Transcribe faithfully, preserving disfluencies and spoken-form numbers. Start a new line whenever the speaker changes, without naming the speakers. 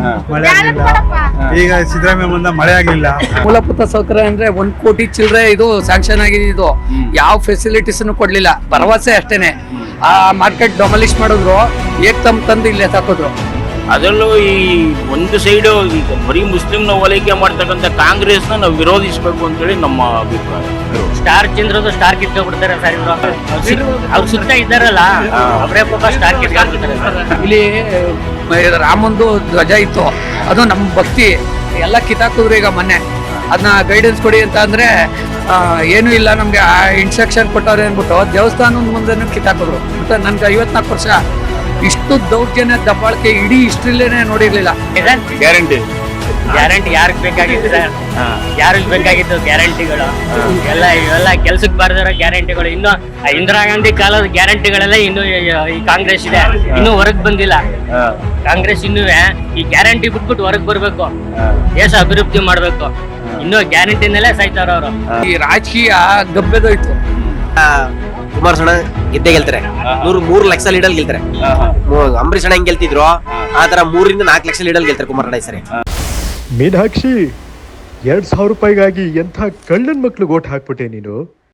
ಮಳೆ ಆಗ್ಲಿಲ್ಲ. ಈಗ ಸಿದ್ದರಾಮಯ್ಯ ಬಂದ ಮಳೆ ಆಗ್ಲಿಲ್ಲ.
ಮೂಲಭೂತ ಸೌಕರ್ಯ ಅಂದ್ರೆ ಒಂದ್ ಕೋಟಿ ಚಿಲ್ಲರೆ ಇದು ಸ್ಯಾಂಕ್ಷನ್ ಆಗಿದೆ. ಇದು ಯಾವ ಫೆಸಿಲಿಟೀಸ್ ಕೊಡ್ಲಿಲ್ಲ, ಭರವಸೆ ಅಷ್ಟೇನೆ. ಆ ಮಾರ್ಕೆಟ್ ಡೊಮಲಿಶ್ ಮಾಡಿದ್ರು, ಏಕ್ದಮ್ ತಂದು ಇಲ್ಲೇ ಹಾಕಿದ್ರು.
ಅದರಲ್ಲೂ ಈ ಒಂದು ಸೈಡು ಈಗ ಬರೀ ಮುಸ್ಲಿಂನ ಓಲೈಕೆ ಮಾಡ್ತಕ್ಕಂಥ ಕಾಂಗ್ರೆಸ್ನ ನಾವು ವಿರೋಧಿಸಬೇಕು ಅಂತೇಳಿ ನಮ್ಮ ಅಭಿಪ್ರಾಯ.
ಸ್ಟಾರ್ ಚಂದ್ರದು ಸ್ಟಾರ್ ಕಿತ್ಕೊಂಡ್ಬಿಡ್ತಾರೆ ಸರ್ ಇವರು. ಅವ್ರು ಸುತ್ತ ಇದ್ದಾರಲ್ಲ ಅವರೇ ಪಾಪ ಸ್ಟಾರ್ ಕಿತ್ಕೊಂಡ್ಬಿಡ್ತಾರೆ.
ಇಲ್ಲಿ ರಾಮಂದು ಧ್ವಜ ಇತ್ತು, ಅದು ನಮ್ಮ ಭಕ್ತಿ ಎಲ್ಲ ಕಿತ್ತಾಕಿದ್ರು. ಈಗ ಮೊನ್ನೆ ಅದನ್ನ ಗೈಡೆನ್ಸ್ ಕೊಡಿ ಅಂತ ಅಂದ್ರೆ ಏನು ಇಲ್ಲ ನಮ್ಗೆ ಇನ್ಸ್ಟ್ರಕ್ಷನ್ ಕೊಟ್ಟವ್ರೆ ಅಂದ್ಬಿಟ್ಟು ದೇವಸ್ಥಾನದ ಮುಂದೆ ಕಿತ್ತಾಕಿದ್ರು. ಮತ್ತೆ ನನ್ಗೆ ಐವತ್ನಾಲ್ಕು ವರ್ಷ ಇಷ್ಟು ದೌರ್ಜನ್ಯ ದಬ್ಬಾಳಿಕೆ ಇಡೀ ಹಿಸ್ಟ್ರಿಲೇನೆ ನೋಡಿರ್ಲಿಲ್ಲ.
ಗ್ಯಾರಂಟಿ
ಗ್ಯಾರಂಟಿ ಯಾರಿಗೆ ಬೇಕಾಗಿತ್ತು ಸರ್? ಯಾರಿಗೆ ಬೇಕಾಗಿತ್ತು ಗ್ಯಾರಂಟಿಗಳು? ಎಲ್ಲ ಇವೆಲ್ಲ ಕೆಲ್ಸಕ್ಕೆ ಬಾರದಿರೋ ಗ್ಯಾರಂಟಿಗಳು. ಇನ್ನು ಇಂದಿರಾ ಗಾಂಧಿ ಕಾಲದ ಗ್ಯಾರಂಟಿಗಳೆಲ್ಲ ಇನ್ನು ಈ ಕಾಂಗ್ರೆಸ್ ಇದೆ, ಇನ್ನೂ ಹೊರಗ್ ಬಂದಿಲ್ಲ. ಕಾಂಗ್ರೆಸ್ ಇನ್ನೂ ಈ ಗ್ಯಾರಂಟಿ ಬಿಟ್ಬಿಟ್ಟು ಹೊರಗ್ ಬರ್ಬೇಕು, ದೇಶ ಅಭಿವೃದ್ಧಿ ಮಾಡ್ಬೇಕು. ಇನ್ನು ಗ್ಯಾರಂಟಿನಲ್ಲೇ ಸಾಯ್ತಾರ ಅವರು.
ಈ ರಾಜಕೀಯ ಗಬ್ಬೆದೋಯ್ತು.
ಕುಮಾರಸ್ವಾಮಿ ಗೆದ್ದೆ ಗೆಲ್ತಾರೆ, ನೂರು ಮೂರು ಲಕ್ಷ ಲೀಡಲ್ ಗೆಲ್ತಾರೆ. ಅಂಬರೀಷ್ ಅಣ್ಣ ಹೆಂಗ್ ಗೆಲ್ತಿದ್ರು ಆ ತರ ಮೂರರಿಂದ ನಾಲ್ಕು ಲಕ್ಷ ಲೀಡಲ್ ಗೆಲ್ತಾರೆ ಕುಮಾರಣ್ಣ ಸರಿ.
ಮೀನಾಕ್ಷಿ, ಎರಡ್ ಸಾವಿರ ರೂಪಾಯಿಗಾಗಿ ಎಂಥ ಕಳ್ಳನ್ ಮಕ್ಳು ಓಟ್ ಹಾಕ್ಬಿಟ್ಟೆ ನೀನು.